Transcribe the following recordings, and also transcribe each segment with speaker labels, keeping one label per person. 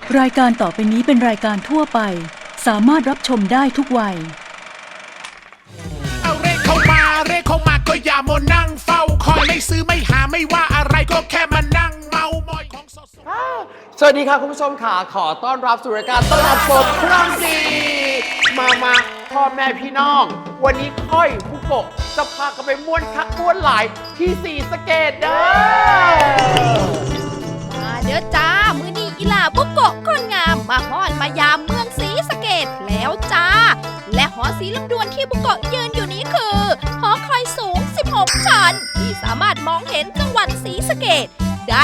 Speaker 1: รายการต่อไปนี้เป็นรายการทั่วไปสามารถรับชมได้ทุกวัย
Speaker 2: เอาเร่เข้ามาก็อย่ามัวนั่งเฝ้าคอยไม่ซื้อไม่หาไม่ว่าอะไรก็แค่มานั่งเมามอยของสด
Speaker 3: สวัสดีค่ะคุณผู้ชมค่ะขอต้อนรับสู่รายการตลาดสดครั้งดีมาพ่อแม่พี่น้องวันนี้ค่อยผู้กบจะพากันไปม่วนคักม่วนหลายที่ศรีสะเกษเด้อ
Speaker 4: มาเด้อจ้ามื้อนี้อีหล่าบุกโกะคนงามมาฮ้อนมายามเมืองศรีสะเกษแล้วจ้าและหอศรีลำดวนที่บุกโกะยืนอยู่นี้คือหอคอยสูง16ชั้นที่สามารถมองเห็นจังหวัดศรีสะเกษได้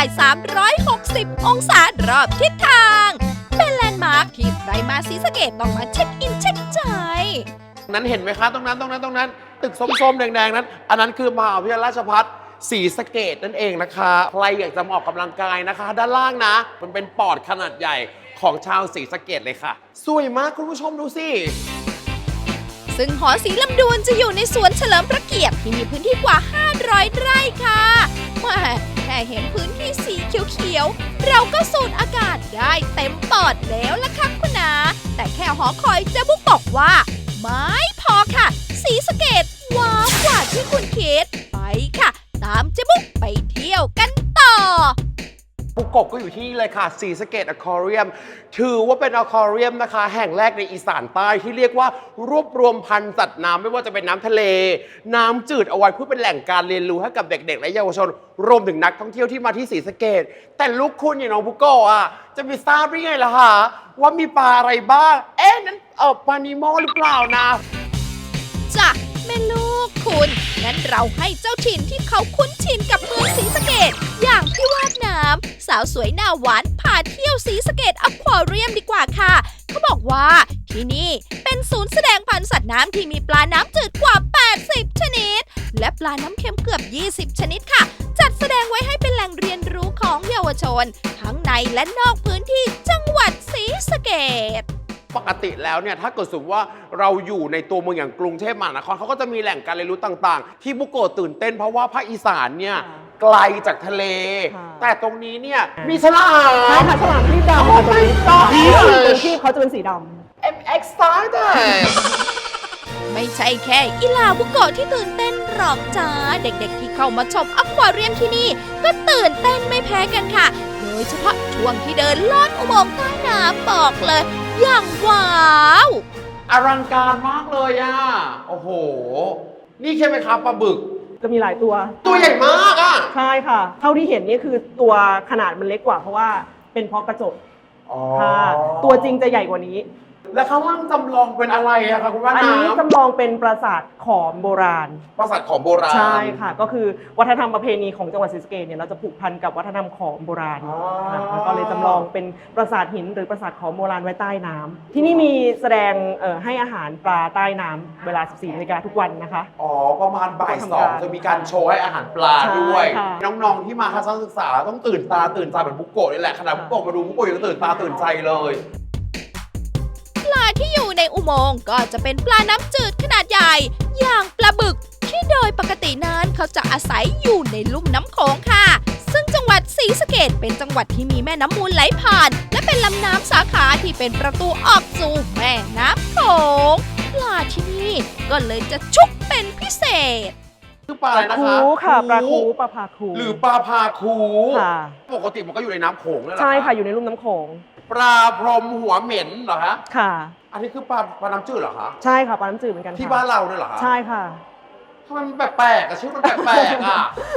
Speaker 4: 360องศารอบทิศทางเป็นแลนด์มาร์คที่ใครมาศรีสะเกษต้องมาเช็คอินเช็คใจ
Speaker 3: นั้นเห็นไหมคะตรงนั้นตึกส้มๆแดงๆนั้นอันนั้นคือมหาวิทยาลัยราชภัฏศรีสะเกษนั่นเองนะคะใครอยากจะมาออกกำลังกายนะคะด้านล่างนะมันเป็นปอดขนาดใหญ่ของชาวศรีสะเกษเลยค่ะสวยมากคุณผู้ชมดูสิ
Speaker 4: ซึ่งหอศรีลำดวนจะอยู่ในสวนเฉลิมพระเกียรติที่มีพื้นที่กว่า500ไร่ค่ะแค่เห็นพื้นที่สีเขียวๆเราก็สูดอากาศได้เต็มปอดแล้วล่ะค่ะคุณนาแต่แค่หอคอยเจ๊บุ๊กบอกว่าไม่พอค่ะศรีสะเกษว้าวกว่าที่คุณคิดไปค่ะตามเจ๊บุ๊กไปเที่ยวกันต่อ
Speaker 3: บุกกบก็อยู่ที่นี่เลยค่ะศรีสะเกษอควาเรียมถือว่าเป็นอควาเรียมนะคะแห่งแรกในอีสานใต้ที่เรียกว่ารวบรวมพันธุ์สัตว์น้ำไม่ว่าจะเป็นน้ำทะเลน้ำจืดเอาไว้เพื่อเป็นแหล่งการเรียนรู้ให้กับเด็กๆและเยาวชนรวมถึงนักท่องเที่ยวที่มาที่ศรีสะเกษแต่ลูกคุณอย่างน้องบุกโกะจะไปทราบได้ไงล่ะคะว่ามีปลาอะไรบ้างนั้นปลานิโมหรือเปล่านะ
Speaker 4: จ้ะแม่ลูกคุณงั้นเราให้เจ้าถิ่นที่เขาคุ้นชินกับเมืองศรีสะเกษอย่างพี่วาดน้ำสาวสวยหน้าหวานพาเที่ยวศรีสะเกษอควาเรียมดีกว่าค่ะเขาบอกว่าที่นี่เป็นศูนย์แสดงพันธุ์สัตว์น้ำที่มีปลาน้ำจืดกว่า80ชนิดและปลาน้ำเค็มเกือบ20ชนิดค่ะจัดแสดงไว้ให้เป็นแหล่งเรียนรู้ของเยาวชนทั้งในและนอกพื้นที่จังหวัดศรีสะเกษ
Speaker 3: ปกติแล้วเนี่ยถ้าเกิดสมมติว่าเราอยู่ในตัวเมืองอย่างกรุงเทพมหานครเขาก็จะมีแหล่งการเรียนรู้ต่างๆที่บุกโกะตื่นเต้นเพราะว่าภาคอีสานเนี่ยไกลจากทะเลแต่ตรงนี้เนี่ยมีฉลาม
Speaker 5: ใช่ค่ะฉลามที่ดำค่ะตัวนี้ตัวที่เขาจะเป็นสีดำ
Speaker 3: I'm excited
Speaker 4: ไม่ใช่แค่อีหล่าบุกโกะที่ตื่นเต้นหรอกจ้าเด็กๆที่เข้ามาชมอควาเรียมที่นี่ก็ตื่นเต้นไม่แพ้กันค่ะโดยเฉพาะช่วงที่เดินลอดอุโมงค์ใต้น้ำบอกเลยอย่างว้าว
Speaker 3: อลังการมากเลยโอ้โหนี่ใช่ไหมครับปลาบึก
Speaker 5: จะมีหลายตัว
Speaker 3: ใหญ่มาก
Speaker 5: ใช่ค่ะเท่าที่เห็นนี่คือตัวขนาดมันเล็กกว่าเพราะว่าเป็นเพราะกระจกค่ะตัวจริงจะใหญ่กว่านี้
Speaker 3: แล้วข้างล่างจำลองเป็นอะไรคะคุณว่า
Speaker 5: อันนี้จำลองเป็นปราสาทขอมโบราณ
Speaker 3: ปราสาทขอมโบราณ
Speaker 5: ใช่ค่ะก็คือวัฒนธรรมประเพณีของจังหวัดศรีสะเกษเนี่ยเราจะผูกพันกับวัฒนธรรมขอมโบราณก็เลยจำลองเป็นปราสาทหินหรือปราสาทขอมโบราณไว้ใต้น้ำที่นี่มีแสดงให้อาหารปลาใต้น้ำเวลา 14 นาฬิกาทุกวันนะคะ
Speaker 3: ประมาณบ่าย2จะมีการโชว์ให้อาหารปลาด้วยน้องๆที่มาทัศนศึกษาต้องตื่นตาตื่นใจเหมือนบุกโกะนี่แหละขณะบุกโกะมาดูบุกโกะยังตื่นตาตื่นใจเลย
Speaker 4: ปลาที่อยู่ในอุโมงค์ก็จะเป็นปลาน้ำจืดขนาดใหญ่อย่างปลาบึกที่โดยปกตินั้นเขาจะอาศัยอยู่ในลุ่มน้ำโขงค่ะซึ่งจังหวัดศรีสะเกษเป็นจังหวัดที่มีแม่น้ำมูลไหลผ่านและเป็นลำน้ำสาขาที่เป็นประตูออกสู่แม่น้ำโขงปลาที่นี่ก็เลยจะชุกเป็นพิเศษ
Speaker 3: คือปลาอะไรนะคะ
Speaker 5: ค่ะปลาคูปลาพาคู
Speaker 3: หรือปลาพาคูค่ะปกติมันก็อยู่ในน้ำโขงนั่นแหละ
Speaker 5: ใช่ค่ะอยู่ในลุ่มน้ำโขง
Speaker 3: ปลาพรมหัวเหม็นเหรอคะ
Speaker 5: ค่ะ
Speaker 3: อันนี้คือปลาน้ำจืดเหรอคะ
Speaker 5: ใช่ค่ะปลาน้ำจืดเหมือนกัน
Speaker 3: ที่บ้านเราด้วยเหรอคะ
Speaker 5: ใช่ค่ะ
Speaker 3: ทำไมมันแปลกๆชื่อมันแปลก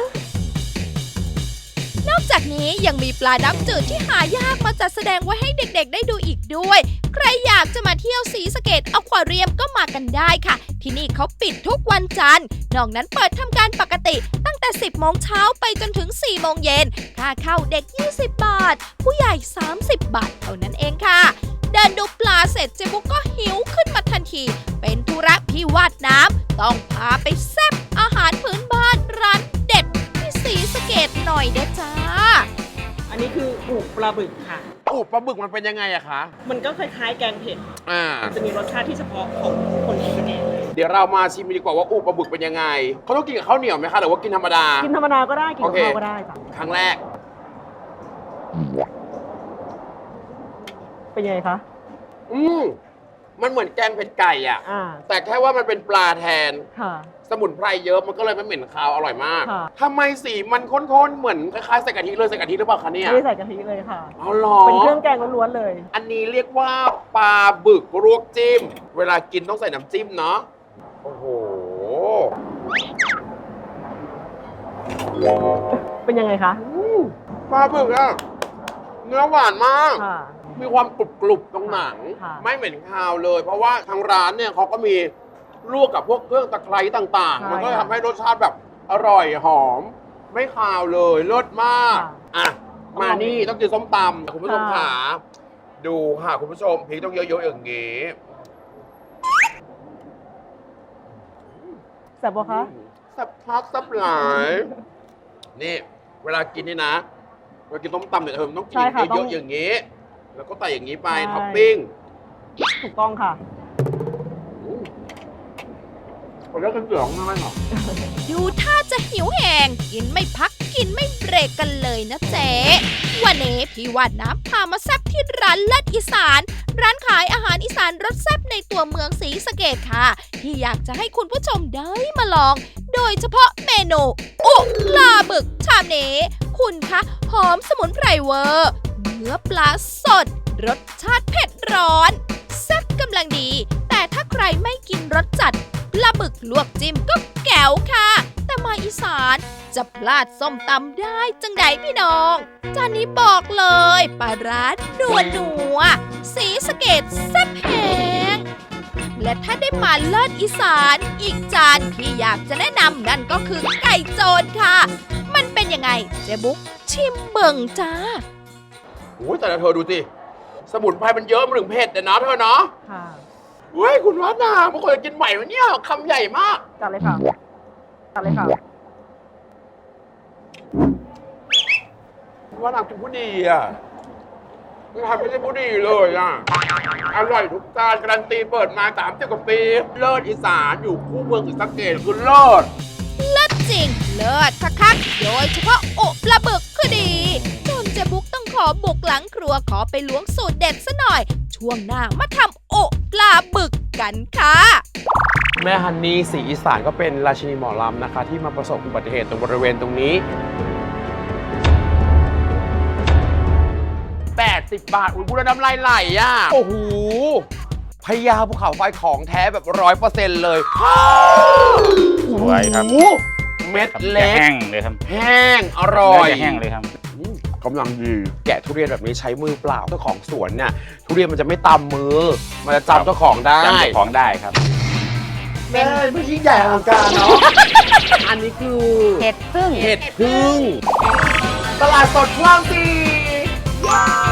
Speaker 4: นอกจากนี้ยังมีปลาน้ำจืดที่หายากมาจัดแสดงไว้ให้เด็กๆได้ดูอีกด้วยใครอยากจะมาเที่ยวศรีสะเกษอควาเรียมก็มากันได้ค่ะที่นี่เขาปิดทุกวันจันทร์นอกนั้นเปิดทำการปกติตั้งแต่ 10 โมงเช้าไปจนถึง 4 โมงเย็นค่าเข้าเด็ก20 บาทผู้ใหญ่30 บาทเท่านั้นเองค่ะเดินดูปลาเสร็จเจบุกก็หิวขึ้นมาทันทีเป็นธุระพี่วาดน้ำต้องพาไปแซ่บอาหารพื้นบ้านร้านเด็ดที่ศรีสะเกษหน่อยเด้อจ้า
Speaker 5: อันนี้คืออูปลาบึกค่ะ
Speaker 3: อูปลาบึกมันเป็นยังไงอะคะ
Speaker 5: มันก็คล้ายๆแกงเผ็ดจะมีรสชาติที่เฉพาะของคนศรีสะเกษ
Speaker 3: เดี๋ยวเรามาชิมดีกว่าว่าอูปลาบึกเป็นยังไงเขาต้องกินกับข้าวเหนียวไหมคะหรือว่ากินธรรมดา
Speaker 5: กินธรรมดาก็ได้กินกับข้าวก็ได้จ้ะ
Speaker 3: ครั้งแรก
Speaker 5: เป็นยังไงคะ
Speaker 3: มันเหมือนแกงเผ็ดไก่อ่ะ
Speaker 5: อ่า
Speaker 3: แต่แค่ว่ามันเป็นปลาแทน
Speaker 5: ค่ะ
Speaker 3: สมุนไพรเยอะมันก็เลยไม่เหม็นคาวอร่อยมาก
Speaker 5: ค่ะ
Speaker 3: ทำไมสีมันข้นๆ เหมือนคล้ายๆใส่กะทิเลยใส่กะทิหรือเปล่าคะเนี่ย
Speaker 5: ไม่ได้ใส่กะทิเลยค่ะ
Speaker 3: เอาหรอ
Speaker 5: เป็นเครื่องแกงล้วนๆเลย
Speaker 3: อันนี้เรียกว่าปลาบึกลวกจิ้ม เวลากินต้องใส่น้ำจิ้มเนาะ โอ้โห
Speaker 5: เป็นยังไงคะ
Speaker 3: ปลาบึกอะเนื้อหวานมาก
Speaker 5: ค่ะ
Speaker 3: มีความกรุบๆตรงหนัง
Speaker 5: ค่ะ
Speaker 3: ไม่เหม็นคาวเลย เพราะว่าทางร้านเนี่ยเขาก็มีลวกกับพวกเครื่องตะไคร้ต่างๆ มันก็ทำให้รสชาติแบบอร่อยหอม ไม่คาวเลยเลิศมาก อ่ะ มานี่ต้องกินส้มตำคุณผู้ชมขาดูค่ะคุณผู้ชมพริกต้องเยอะๆอย่างงี้
Speaker 5: แซ่บปะคะ
Speaker 3: สับพักสับหลาย นี่ เวลากินนี่นะเวลากินส้มตำเนี่ยเธอมันต้องกิน
Speaker 5: ใช่ค่ะ
Speaker 3: เย
Speaker 5: ต้
Speaker 3: อะ
Speaker 5: อง
Speaker 3: ๆอย่างงี้ แล้วก็ใส่อย่างนี้ไป
Speaker 5: ใช่
Speaker 3: ท็อปปิ้ง
Speaker 5: ถูกต้องค่ะ
Speaker 3: ผมเลือกกันเสืองไม่หรอ
Speaker 4: ดูท่าจะหิวแหงกินไม่พักกินไม่เบรกกันเลยนะเจ๊วันนี้พี่วาดน้ำพามาแซ่บที่ร้านเลิศอีสาน ร้านขายอาหารอีสานรสแซ่บในตัวเมืองศรีสะเกษค่ะ ที่อยากจะให้คุณผู้ชมได้มาลอง โดยเฉพาะเมนูอุปลาบึกชามนี้คุณคะหอมสมุนไพรเวอร์ เนื้อปลาสด รสชาติเผ็ดร้อนแซ่บกำลังดี แต่ถ้าใครไม่กินรสจัดปลาบึกลวกจิ้มก็แก๋วค่ะ แต่มาอีสานจะพลาดส้มตำได้จังใดพี่น้อง จานนี้บอกเลยปลาร้านัวสีสะเกดแซ่บแหงและถ้าได้มาเลิศอีสานอีกจานที่อยากจะแนะนำนั่นก็คือไก่โจรค่ะ มันเป็นยังไงเจ๊บุ๊กชิมเบิ่งจ้า
Speaker 3: โอ้ยแต่ละเธอดูสิ สมุนไพรมันเยอะมันถึงเผ็ดเลยนะเธอเนาะ
Speaker 5: ค่ะ
Speaker 3: เฮ้ยคุณวัฒนาบางคนจะกินใหม่วันนี้คำใหญ่มาก
Speaker 5: จัดเลยค่ะ จัดเลยค่ะ
Speaker 3: คุณวัฒนาเป็นผู้ดีอ่ะคุณทำไม่ใช่ผู้ดีเลยอ่ะ อร่อยทุกจานการันตีเปิดมา30 กว่าปี เลิศอีสานอยู่คู่เมืองศรีสะเกษคือเลิศ
Speaker 4: เลิศจริง เลิศคักๆโดยเฉพาะอุปลาบึกคือดี จนเจ๊บุ๊กต้องขอบุกหลังครัวขอไปล้วงสูตรเด็ดซะหน่อย ช่วงหน้ามาทำอุปลาบึกกันค่ะ
Speaker 3: แม่ฮันนี่ศรีอีสานก็เป็นราชินีหมอลำนะคะ ที่มาประสบอุบัติเหตุตรงบริเวณตรงนี้ 80 บาท อุ้ยพูดแล้วน้ำลายไหลอ่ะ โอ้โหพญาภูเขาไฟของแท้แบบ100%เลย
Speaker 6: สวยครับ
Speaker 3: โอ้โหเม็ด
Speaker 6: ครับ
Speaker 3: เล็
Speaker 6: จะ
Speaker 3: ก
Speaker 6: แห้งเลยครับ
Speaker 3: แห้ง อร่อย
Speaker 6: เนื้จะแห้งเลยครับ
Speaker 3: กำลังดี แกะทุเรียนแบบนี้ใช้มือเปล่าเจ้าของสวนเนี่ยทุเรียนมันจะไม่ตำมือ มันจะจำเจ้าของได้
Speaker 6: จำเจ้าของได้ครับ
Speaker 3: แม่ไม่ยิ่งใหญ่อลังการเนาะ อันนี้คือ
Speaker 7: เห็ดพึ่ง
Speaker 3: เห็ดพึ่ง ตลาดสดคลองสี่